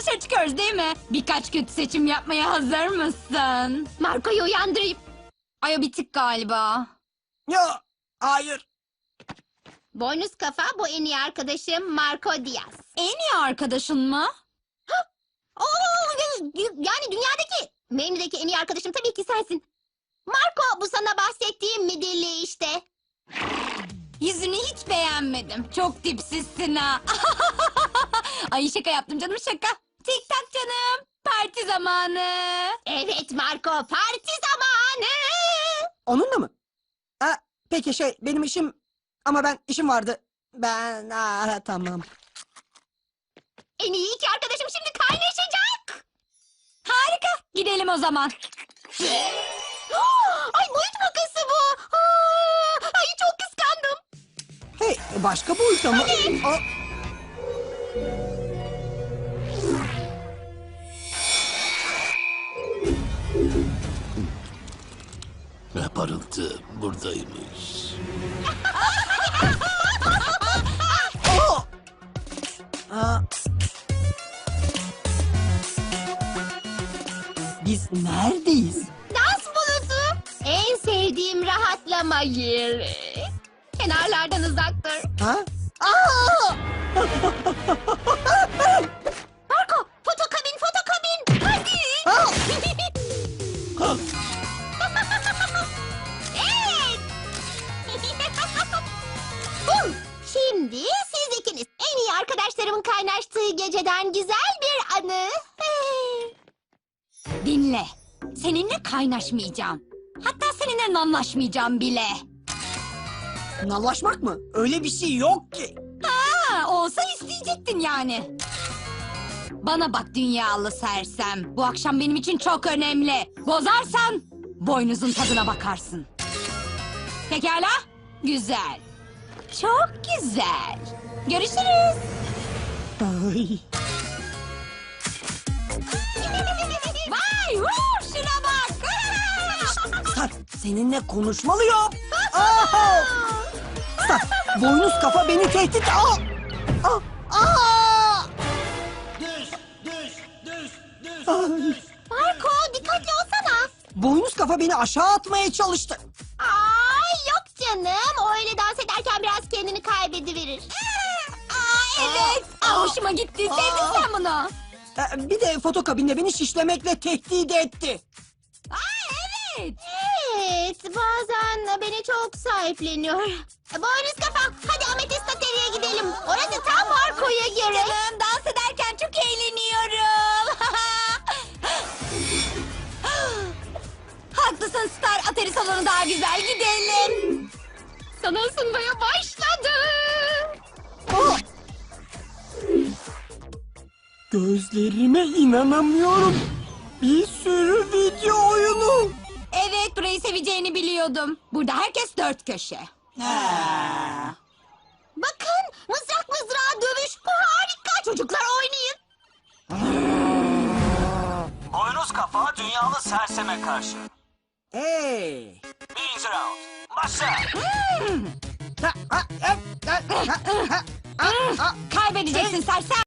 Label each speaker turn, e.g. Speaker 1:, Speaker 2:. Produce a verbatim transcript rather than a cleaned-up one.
Speaker 1: dışarı çıkıyoruz değil mi? Birkaç kötü seçim yapmaya hazır mısın?
Speaker 2: Marco'yu uyandırayım.
Speaker 1: Ay o bitik galiba.
Speaker 3: Ya, hayır.
Speaker 2: Boynuz kafa, bu en iyi arkadaşım Marco Diaz.
Speaker 1: En iyi arkadaşın mı?
Speaker 2: Oo, yani dünyadaki, benimdeki en iyi arkadaşım tabii ki sensin. Marco, bu sana bahsettiğim midilli işte.
Speaker 1: Yüzünü hiç beğenmedim. Çok dipsizsin ha. Ay şaka yaptım canım, şaka. Tik tak canım. Parti zamanı.
Speaker 2: Evet Marco, parti zamanı.
Speaker 3: Onunla mı? Ha, peki şey, benim işim... Ama ben işim vardı. Ben... Aa, tamam.
Speaker 2: En iyi iki arkadaşım şimdi kaynaşacak.
Speaker 1: Harika. Gidelim o zaman.
Speaker 2: Ay boyut makası bu. Aa, ay çok kıskandım.
Speaker 3: Hey, başka boyutta mı? Aa,
Speaker 4: Ne parıltı buradaymış.
Speaker 3: aa! Aa. Biz neredeyiz?
Speaker 2: Dans bulutu. En sevdiğim rahatlama yeri. Kenarlardan uzaktır.
Speaker 3: Ha? Aa!
Speaker 2: Marco, fotokabin, fotokabin. Hadi.
Speaker 3: Aa!
Speaker 2: Evet. Huh, şimdi siz ikiniz en iyi arkadaşlarımın kaynaştığı geceden güzel bir anı.
Speaker 1: Dinle. Seninle kaynaşmayacağım. Hatta seninle nanlaşmayacağım bile.
Speaker 3: Nallaşmak mı? Öyle bir şey yok ki.
Speaker 1: Ha, olsa isteyecektin yani. Bana bak dünyalı sersem. Bu akşam benim için çok önemli. Bozarsan boynuzun tadına bakarsın. Pekala? Güzel. Çok güzel. Görüşürüz.
Speaker 3: Ay.
Speaker 1: Vay, vur, şuna bak.
Speaker 3: Star, seninle konuşmalıyım. Aa! Star, boynuz kafa beni tehdit... Aa! Aa! Aa!
Speaker 4: Düş, düş, düş, düş,
Speaker 3: Ay.
Speaker 2: Marco, dikkatli olsana.
Speaker 3: Boynuz kafa beni aşağı atmaya çalıştı.
Speaker 2: Ay yok canım. O öyle dans ederken biraz kendini kaybediverir.
Speaker 1: Aa, evet. Aa, hoşuma gitti. Sevdin
Speaker 3: Aa.
Speaker 1: sen bunu.
Speaker 3: Ee, Bir de fotokabinde beni şişlemekle tehdit etti.
Speaker 1: Aa, evet.
Speaker 2: Evet, bazen beni çok sahipleniyor. Boynuz kafa, hadi Ametist Ateri'ye gidelim. Orası tam Marco'ya göre.
Speaker 1: Canım, dans ederken çok eğleniyorum. Haklısın Star. Atari salonu daha güzel, gidelim.
Speaker 2: Sana ısınmaya başladı.
Speaker 3: Aa! Gözlerime inanamıyorum. Bir sürü video oyunu.
Speaker 1: Evet, burayı seveceğini biliyordum. Burada herkes dört köşe.
Speaker 2: Bakın, mızrak mızrağa dövüş. Bu harika. Çocuklar oynayın.
Speaker 5: Boynuz kafa dünyalı serseme karşı.
Speaker 3: Hey.
Speaker 5: Birinci round. Başla.
Speaker 3: Ha, ha, ha, ha, ha, ha, ha, ha.
Speaker 1: Kaybedeceksin sersem.